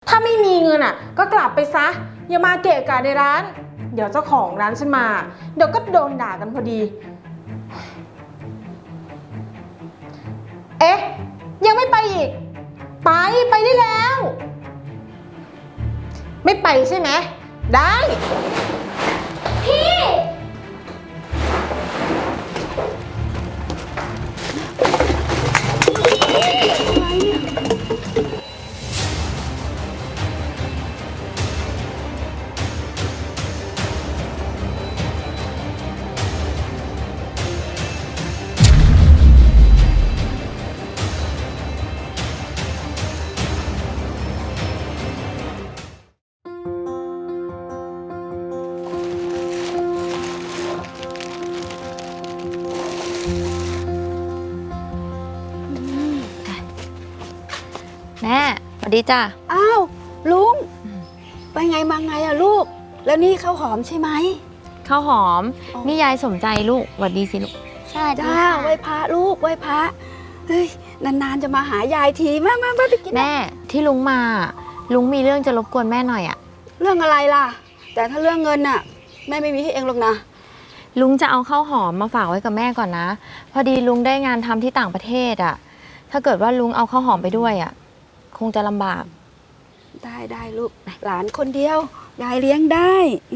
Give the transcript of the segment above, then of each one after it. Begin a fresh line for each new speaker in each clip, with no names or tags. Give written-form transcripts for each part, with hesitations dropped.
ถ้าไม่มีเงินอ่ะก็กลับไปซะอย่ามาเกะกะในร้านเดี๋ยวเจ้าของร้านฉันมาเดี๋ยวก็โดนด่ากันพอดีเอ๊ะยังไม่ไปอีกไปได้แล้วไม่ไปใช่ไหมได้พี่
แม่สวัสดีจ้ะ
อ้าวลุงไปไงมาไงอะลูกแล้วนี่ข้าวหอมใช่ไหม
ข้าวหอมนี่ยายสมใจลูกสวัสดีสิลูก
ใช่จ้าไหว้พระลูกไหว้พระเฮ้ยนานๆจะมาหายายทีมาไปกิน
แม่ที่ลุงมาลุงมีเรื่องจะรบกวนแม่หน่อยอะ
เรื่องอะไรล่ะแต่ถ้าเรื่องเงินน่ะแม่ไม่มีให้เองหรอกนะ
ลุงจะเอาข้าวหอมมาฝากไว้กับแม่ก่อนนะพอดีลุงได้งานทำที่ต่างประเทศอะถ้าเกิดว่าลุงเอาข้าวหอมไปด้วยอะคงจะลำบาก
ได้ลูกหลานคนเดียวยายเลี้ยงได้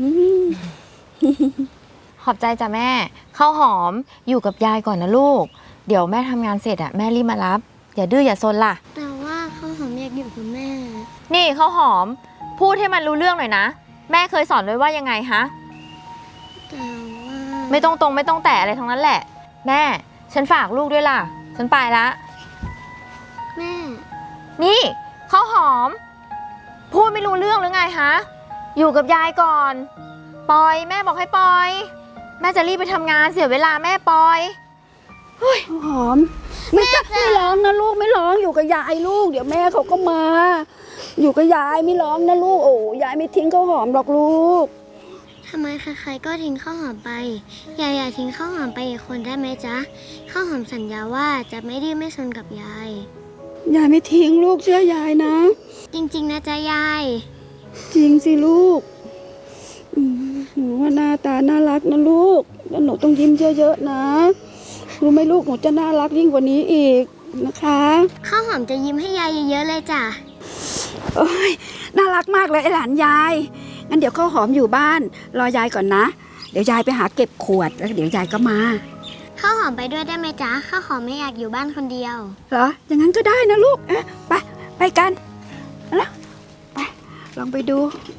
ขอบใจจ้ะแม่ข้าวหอมอยู่กับยายก่อนนะลูกเดี๋ยวแม่ทำงานเสร็จอะแม่รีบมารับอย่าดื้ออย่าซนล่ะ
แต่ว่าข้าวหอมอยากอยู่กับแม่
นี่ข้าวหอมพูดให้มันรู้เรื่องหน่อยนะแม่เคยสอนไว้ว่ายังไงฮะ
แต่ว่า
ไม่ต้องแตะอะไรทั้งนั้นแหละแม่ฉันฝากลูกด้วยล่ะฉันไปละ
แม่
นี่ข้าวหอมพูดไม่รู้เรื่องหรือไงฮะอยู่กับยายก่อนปอยแม่บอกให้ปอยแม่จะรีบไปทำงานเสียเวลาแม่ปอย
ข้าวหอมไม่ร้องนะลูกไม่ร้องอยู่กับยายลูกเดี๋ยวแม่เขาก็มาอยู่กับยายไม่ร้องนะลูกโอ้ยายไม่ทิ้งข้าวหอมหรอกลูก
ทำไมใครๆก็ทิ้งข้าวหอมไปยายอย่าทิ้งข้าวหอมไปอีกคนได้ไหมจ๊ะข้าวหอมสัญญาว่าจะไม่ดื้อไม่ซนกับยาย
ไม่ทิ้งลูกเชื่อยายนะ
จริงๆนะจ๊ะยาย
จริงสิลูกหนูว่าหน้าตาน่ารักนะลูกแล้วหนูต้องยิ้มเยอะๆนะรู้ไหมลูกหนูจะน่ารักยิ่งกว่านี้อีกนะคะ
ข้าวหอมจะยิ้มให้ยายเยอะๆเลยจ้ะ
โอ้ยน่ารักมากเลยไอ้หลานยายงั้นเดี๋ยวข้าวหอมอยู่บ้านรอยายก่อนนะเดี๋ยวยายไปหาเก็บขวดแล้วเดี๋ยวยายก็มา
ข้าวหอมไปด้วยได้ไหมจ๊ะข้าวหอมไม่อยากอยู่บ้านคนเดียว
เหรออย่างนั้นก็ได้นะลูกไปกันแล้วไปลองไปดู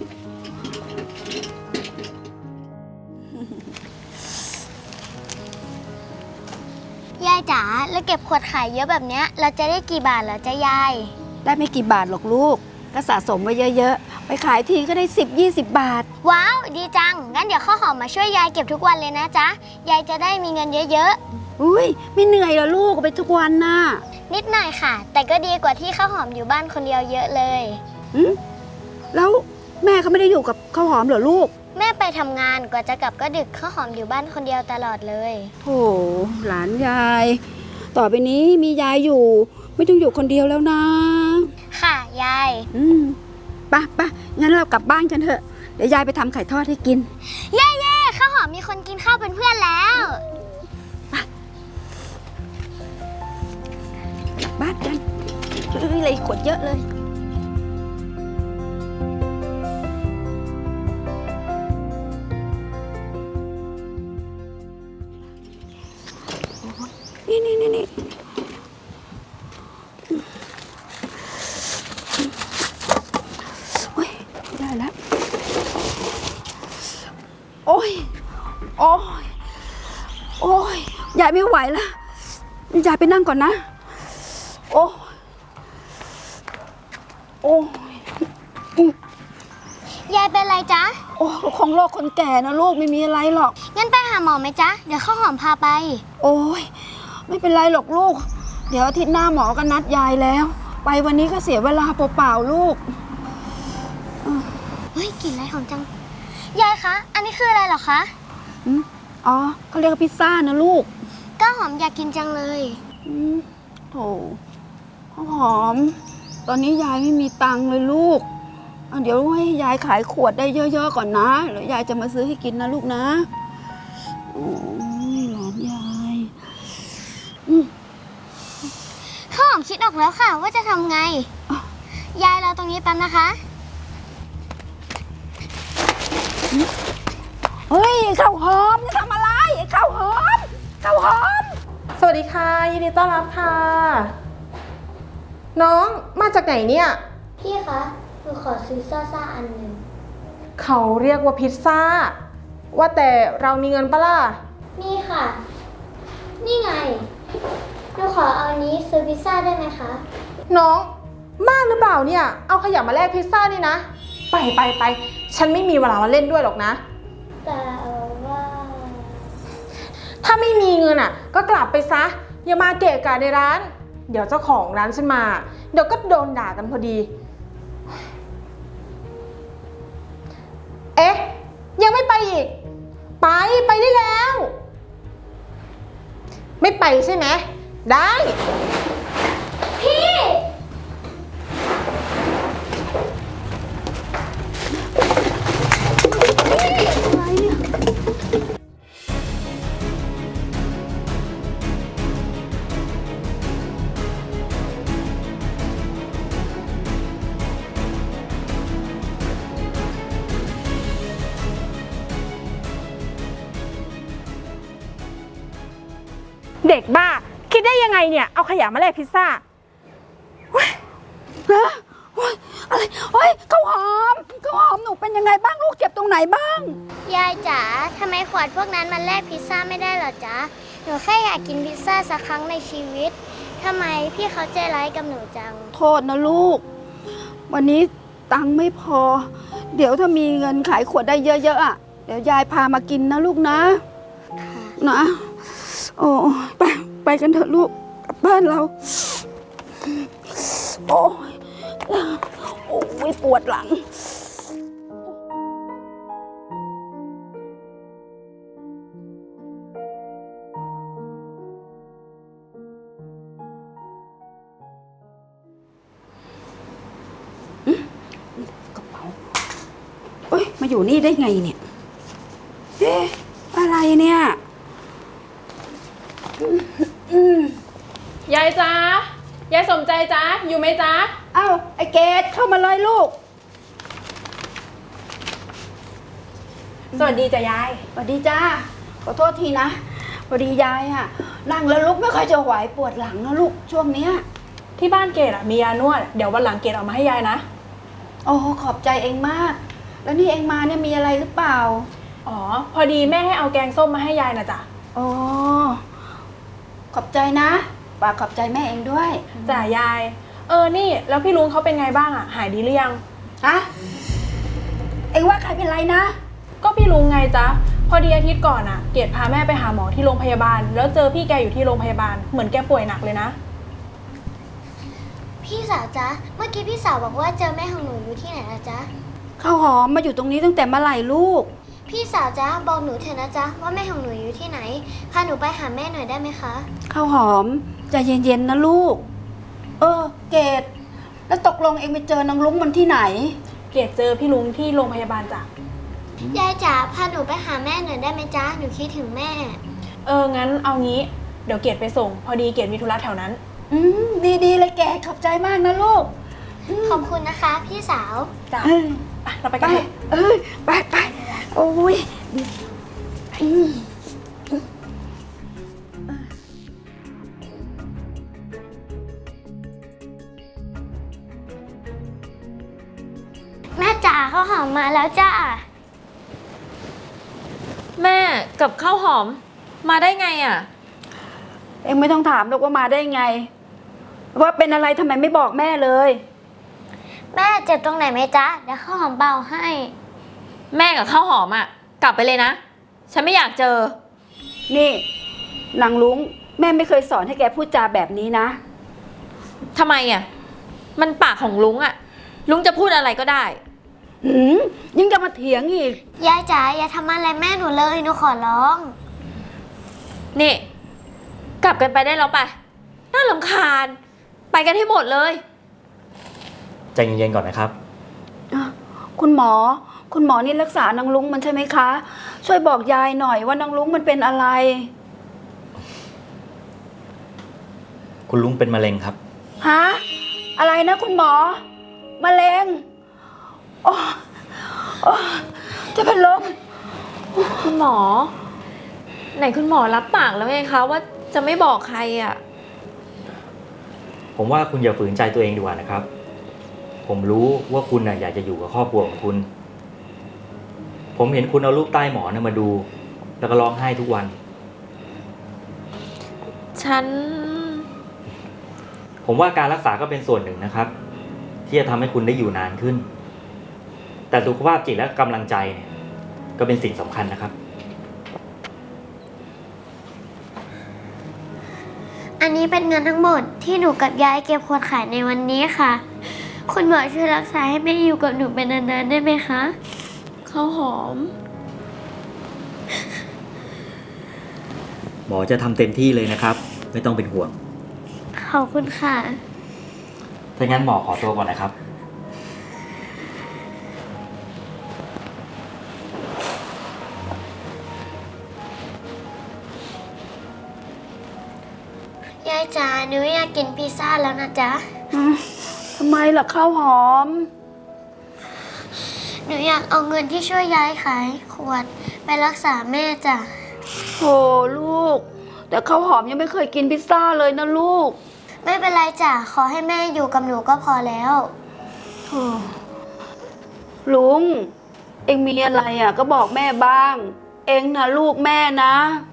ยายจ๋าแล้วเก็บขวดขายเยอะแบบเนี้ยเราจะได้กี่บาทเหรอจ๊ะยาย
ได้ไม่กี่บาทหรอกลูกก็สะสมไว้เยอะๆไปขายทีก็ได้10-20 บาท
ว้าวดีจังงั้นเดี๋ยวข้าวหอมมาช่วยยายเก็บทุกวันเลยนะจ๊ะยายจะได้มีเงินเยอะ
ๆอุ้ยไม่เหนื่อยเหรอลูกไปทุกวันน่ะ
นิดหน่อยค่ะแต่ก็ดีกว่าที่ข้าวหอมอยู่บ้านคนเดียวเยอะเลย
แล้วแม่เขาไม่ได้อยู่กับข้าวหอมเหรอลูก
แม่ไปทำงานกว่าจะกลับก็ดึกข้าวหอมอยู่บ้านคนเดียวตลอดเลย
โอ้หลานยายต่อไปนี้มียายอยู่ไม่ต้องอยู่คนเดียวแล้วนะ
ค่ะยาย
ไปงั้นเรากลับบ้านกันเถอะเดี๋ยวยายไปทำไข่ทอดให้กิน
เย่ข้าวหอมมีคนกินข้าวเป็นเพื่อนแล้ว
กลับบ้านกันเลยขวดเยอะเลยนี่โอ้ยได้แล้วโอ้ยยายไม่ไหวแล้วยายไปนั่งก่อนนะโอ้
ยายเป็นไรจ๊ะ
ของโรคคนแก่นะลูกไม่มีอะไรหรอก
งั้นไปหาหมอไหมจ๊ะเดี๋ยวข้าวหอมพาไป
โอ้ยไม่เป็นไรหรอกลูกเดี๋ยวอาทิตย์หน้าหมอก็นัดยายแล้วไปวันนี้ก็เสียเวลาเปล่าๆลูก
เฮ้ยกลิ่นอะไรหอมจังยายคะอันนี้คืออะไรเหรอคะ
เขาเรียกว่าพิซซ่านะลูก
ก็หอมอยากกินจังเลย
โถหอมตอนนี้ยายไม่มีตังค์เลยลูกเดี๋ยวให้ยายขายขวดได้เยอะๆก่อนนะแล้วยายจะมาซื้อให้กินนะลูกนะโอ้ยหลานยาย
ข้าวหอมคิดออกแล้วค่ะว่าจะทำไง ยายรอตรงนี้แป๊บนะคะ
เฮ้ยข้าวหอมจะทำอะไรข้าวหอมข้าวหอม
สวัสดีค่ะยินดีต้อนรับค่ะ น้องมาจากไหนเนี่ย
พี่คะหนูขอซื้อซ่าอันหนึ่ง
เขาเรียกว่าพิซซ่า ว่าแต่เรามีเงินปะล่ะ
นี่ค่ะ นี่ไงหนูขอเอานี้ซื้อพิซซ่าได้ไหมคะ
น้องบ้าหรือเปล่าเนี่ย เอาขยะมาแลกพิซซ่านี่นะ ไป ฉันไม่มีเวลามาเล่นด้วยหรอกนะ
แต่ว่า
ถ้าไม่มีเงินอ่ะ ก็กลับไปซะ อย่ามาเกะกะในร้าน เดี๋ยวเจ้าของร้านฉันมา เดี๋ยวก็โดนด่ากันพอดี เอ๊ะ ยังไม่ไปอีก ไปได้แล้ว ไม่ไปใช่ไหม ได้
พี่
อะไรเนี่ย
เด็กบ้า คิดได้ยังไงเนี่ย เอาขยะมาแลกพิซซ่า
ฮะโอ๊ยอะไรโอ๊ยข้าวหอมหนูเป็นยังไงบ้างลูกเจ็บตรงไหนบ้าง
ยายจ๋าทำไมขวดพวกนั้นมันแลกพิซซ่าไม่ได้เหรอจ๊ะ หนูแค่อยากกินพิซซ่าสักครั้งในชีวิตทำไมพี่เขาใจร้ายกับหนูจัง
โทษนะลูก วันนี้ตังค์ไม่พอ เดี๋ยวถ้ามีเงินขายขวดได้เยอะๆอ่ะเดี๋ยวยายพามากินนะลูกนะนะโอ้ไปกันเถอะลูกกลับบ้านเราโอ้ยปวดหลัง กระเป๋าเอ้ยมาอยู่นี่ได้ไงเนี่ยเอ๊ะอะไรเนี่ย
ยายจ๊ะ ยายสมใจจ๊ะ อยู่ไหมจ๊ะ
เอ้าไอเกดเข้ามาเลยลูก
สวัสดีจ้ะยาย
สวัสดีจ้าขอโทษทีนะพอดียายอะนั่งแล้วลุกไม่ค่อยจะไหวปวดหลังนะลูกช่วงเนี้ย
ที่บ้านเกดอะมียานวด เดี๋ยววันหลังเกดเอามาให้ยายนะ
โอ้ขอบใจเองมาก แล้วนี่เองมาเนี่ยมีอะไรหรือเปล่า
อ๋อ พอดีแม่ให้เอาแกงส้มมาให้ยายนะจ๊ะ
อ๋อขอบใจนะฝากขอบใจแม่เองด้วย
จ้ะยาย นี่แล้วพี่ลุงเขาเป็นไงบ้างอะหายดีหรือยัง
ฮะเองว่าใครเป็นไรนะ
ก็พี่ลุงไงจ๊ะ พอดีอาทิตย์ก่อนอะเกดพาแม่ไปหาหมอที่โรงพยาบาล แล้วเจอพี่แกอยู่ที่โรงพยาบาล เหมือนแกป่วยหนักเลยนะ
พี่สาวจ๊ะ เมื่อกี้พี่สาวบอกว่าเจอแม่ของหนูอยู่ที่ไหนนะจ๊ะ
ข้าวหอมมาอยู่ตรงนี้ตั้งแต่เมื่อไหร่ลูก
พี่สาวจ๊ะบอกหนูเถอะนะจ๊ะว่าแม่ของหนูอยู่ที่ไหน พาหนูไปหาแม่หน่อยได้ไหมคะ
ข้าวหอมใจเย็นๆนะลูก เกดแล้วตกลงเองไปเจอนางลุงมันที่ไหน
เกดเจอพี่ลุงที่โรงพยาบาลจ้ะ
ยายจ๋าพาหนูไปหาแม่หน่อยได้ไหมจ๊ะ หนูคิดถึงแม่
งั้นเอางี้ เดี๋ยวเกดไปส่ง พอดีเกดมีธุระแถวนั้น
ดีเลยแกขอบใจมากนะลูก
ขอบคุณนะคะ พี่สาว
จ้ะ
เออ
ไปเราไป
ไป
กันเถอะ
ไปโอ้ยอืม
แม่จ๋าข้าวหอมมาแล้วจ้า
แม่กับข้าวหอมมาได้ไงอ่ะ
เองไม่ต้องถามหรอกว่ามาได้ไง ว่าเป็นอะไรทำไมไม่บอกแม่เลย
แม่เจ็บตรงไหนไหมจ๊ะ เดี๋ยวข้าวหอมเบาให้
แม่กับข้าวหอมอ่ะ กลับไปเลยนะ ฉันไม่อยากเจอ
นี่นางลุงแม่ไม่เคยสอนให้แกพูดจาแบบนี้นะ
ทำไมอ่ะ มันปากของลุงอ่ะ ลุงจะพูดอะไรก็ได้
ยังจะมาเถียงอีก
ยายจ๋าอย่าทำอะไรแม่หนูเลยหนูขอร้อง
นี่ กลับกันไปได้แล้วไป น่ารำคาญ ไปกันให้หมดเลย
ใจเย็นๆก่อนนะครับ
อ่ะคุณหมอนี่รักษานางลุงมันใช่ไหมคะ ช่วยบอกยายหน่อยว่านางลุงมันเป็นอะไร
คุณลุงเป็นมะเร็งครับ
ฮะ อะไรนะคุณหมอ มะเร็งโอ้โอ้จะเป็นลม
คุณหมอ ไหนคุณหมอรับปากแล้วไงคะว่าจะไม่บอกใครอ่ะ
ผมว่าคุณอย่าฝืนใจตัวเองดีกว่านะครับ ผมรู้ว่าคุณน่ะอยากจะอยู่กับครอบครัวของคุณ ผมเห็นคุณเอารูปใต้หมอนมาดู แล้วก็ร้องไห้ทุกวัน
ฉัน
ผมว่าการรักษาก็เป็นส่วนหนึ่งนะครับ ที่จะทำให้คุณได้อยู่นานขึ้น แต่สุขภาพจิตและกำลังใจเนี่ยก็เป็นสิ่งสำคัญนะครับ
อันนี้เป็นเงินทั้งหมดที่หนูกับยายเก็บขวดขายในวันนี้ค่ะ คุณหมอช่วยรักษาให้แม่อยู่กับหนูเป็นนานๆได้ไหมคะ
ข้าวหอม
หมอจะทำเต็มที่เลยนะครับ ไม่ต้องเป็นห่วง
ขอบคุณค่ะ
ถ้างั้นหมอขอตัวก่อนนะครับ
ยายจ๋าหนูอยากกินพิซซ่าแล้วนะจ๊ะ
ทำไมล่ะข้าวหอม
หนูอยากเอาเงินที่ช่วยยายขายขวดไปรักษาแม่จ้ะ
โหลูก แต่ข้าวหอมยังไม่เคยกินพิซซ่าเลยนะลูก
ไม่เป็นไรจ้ะ ขอให้แม่อยู่กับหนูก็พอแล้ว
ลุง เอ็งมีอะไรอ่ะ ก็บอกแม่บ้าง เอ็งนะลูกแม่นะ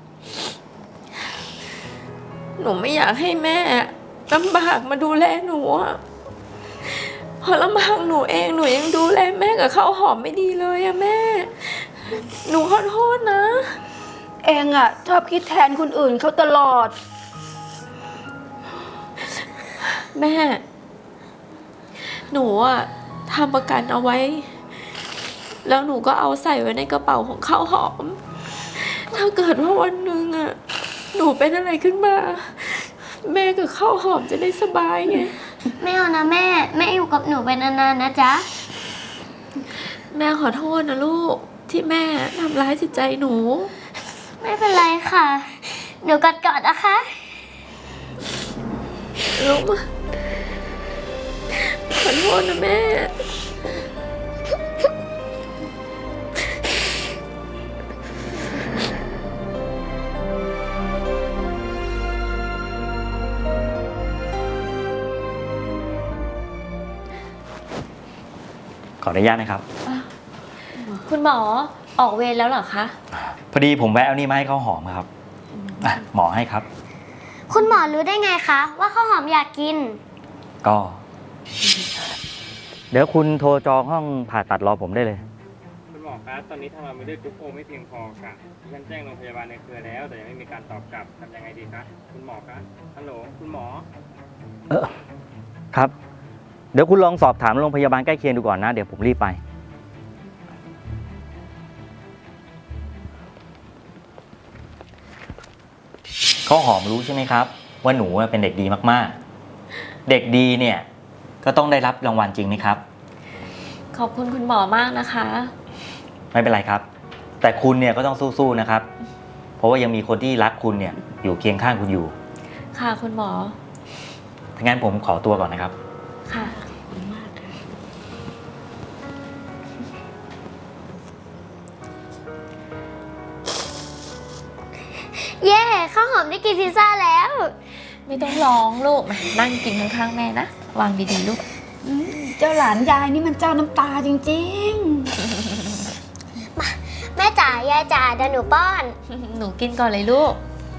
หนูไม่อยากให้แม่ลำบากมาดูแลหนูอะพอลำบากหนูเองหนูยังดูแลแม่กับข้าวหอมไม่ดีเลยอะแม่ หนูขอโทษนะ
เอ็งอ่ะชอบคิดแทนคนอื่นเขาตลอด
แม่ หนูอะทำประกันเอาไว้ แล้วหนูก็เอาใส่ไว้ในกระเป๋าของข้าวหอม ถ้าเกิดว่าวันหนึ่งอะหนูเป็นอะไรขึ้นมา แม่กับข้าวหอมจะได้สบายไง
ไม่เอานะแม่ แม่อยู่กับหนูไปนานๆนะจ๊ะ
แม่ขอโทษนะลูกที่แม่ทำร้ายจิตใจหนู
ไม่เป็นไรค่ะ หนูกอดๆนะคะ
ลูกขอโทษนะแม่
ขออนุญาตนะครับ
คุณหมอออกเวรแล้วเหรอคะ
พอดีผมแวะเอานี่มาให้ข้าวหอมครับหมอให้ครับ
คุณหมอรู้ได้ไงคะว่าข้าวหอมอยากกิน
ก็ เดี๋ยวคุณโทรจองห้องผ่าตัดรอผมได้เลย
คุณหมอครับตอนนี้ทำงานไม่ได้กรุ๊ปโอไม่เพียงพอค่ะดิฉันแจ้งโรงพยาบาลในเครือแล้ว แต่ยังไม่มีการตอบกลับทำยังไงดีคะคุณหมอครับฮัลโหลคุณหมอ
ครับ เดี๋ยวคุณลองสอบถามโรงพยาบาลใกล้เคียงดูก่อนนะ เดี๋ยวผมรีบไป ข้าวหอมรู้ใช่ไหมครับ ว่าหนูเป็นเด็กดีมากๆ เด็กดีเนี่ยก็ต้องได้รับรางวัลจริงไหมครับ
ขอบคุณคุณหมอมากนะคะ
ไม่เป็นไรครับ แต่คุณเนี่ยก็ต้องสู้ๆนะครับ เพราะว่ายังมีคนที่รักคุณเนี่ยอยู่เคียงข้างคุณอยู่
ค่ะคุณหมอ
ถ้างั้นผมขอตัวก่อนนะครับ
ค่ะ
เย้ข้าวหอมได้กินพิซซ่าแล้ว
ไม่ต้องร้องลูกมานั่งกินข้างๆแม่นะ วางดีๆลูก
เจ้าหลานยายนี่มันเจ้าน้ำตาจริง
แม่จ๋ายายจ๋าเดี๋ยวหนูป้อน
หนูกินก่อนเลยลูก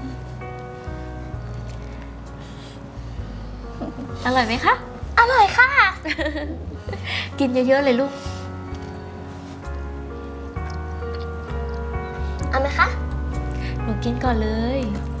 อร่อยไหมคะ
อร่อยค่ะ
กินเยอะๆเลยลูก
เอาไหมคะ
หนูกินก่อนเลย
ไ